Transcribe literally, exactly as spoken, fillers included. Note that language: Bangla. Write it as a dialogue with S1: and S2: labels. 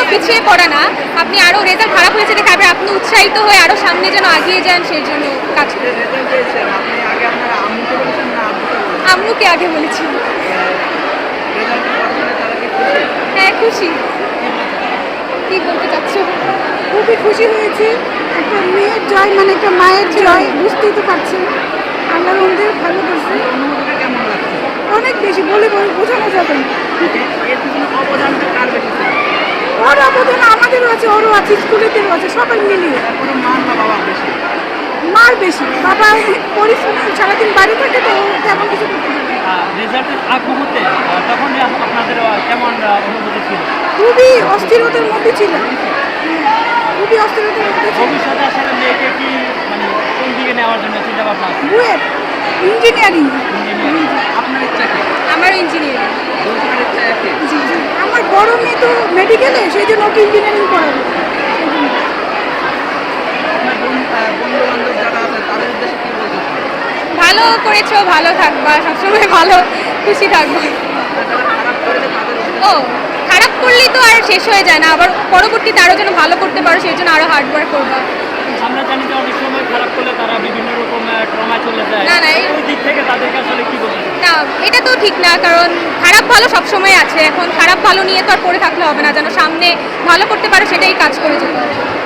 S1: পিছিয়ে পড়া না, আপনি আরও রেজাল্ট খারাপ হয়েছে দেখে আবার আপনি উৎসাহিত হয়ে আরও সামনে যেন আগিয়ে যান সেই জন্য কাজ করি। আম্মুকে আগে বলেছি। হ্যাঁ খুশি। কি বলতে চাচ্ছ?
S2: খুবই খুশি হয়েছি, একটা মেয়ের জয় মানে একটা মায়ের জয়, বুঝতেই তো পারছেন। আল্লাহ আমাদের ভালো করছে, অনেক বেশি বলে বলে বোঝানো যাবে না। ওর অবদান আমাদেরও আছে, ওরও আছে, স্কুলেদেরও আছে, সবাই মিলিয়ে। মার বেশি, বাবা পরিশ্রম সারাদিন বাড়ি থাকে তো তেমন কিছু করতে পারে না।
S3: রেজাল্টের আগ মুহূর্তে তখন আপনাদের কেমন অনুভূতি ছিল?
S2: খুবই অস্থিরতার মধ্যে ছিল, খুবই অস্থিরতার মধ্যে ছিল।
S3: ভবিষ্যতে আসলে মেয়েকে কি মানে কোন দিকে নেওয়ার জন্য চিন্তা ভাবনা আছে?
S2: বুয়েট ইঞ্জিনিয়ারিং।
S3: আপনার ইচ্ছা কি?
S1: আমারও ইঞ্জিনিয়ারিং।
S2: জি জি, আমার বড় মেয়ে তো মেডিকেলে, সেই জন্য ওকে ইঞ্জিনিয়ারিং পড়াবো।
S1: ভালো করেছো, ভালো থাকবা, সবসময় ভালো খুশি থাকবা। ও খারাপ করলেই তো আর শেষ হয়ে যায় না, আবার পরবর্তীতে আরও যেন ভালো করতে পারো সেই জন্য আরও হার্ডওয়ার্ক করবা।
S3: আমরা জানি যে অনেক সময় খারাপ করলে তারা বিভিন্ন রকম ট্রমায় চলে যায়।
S1: না, না, এই-
S3: ওই দিক থেকে তাদেরকে আসলে কি বলতে চান?
S1: না এটা তো ঠিক না, কারণ খারাপ ভালো সবসময় আছে, এখন খারাপ ভালো নিয়ে তো আর পড়ে থাকলে হবে না, যেন সামনে ভালো করতে পারো সেটাই কাজ করে যেতে হবে।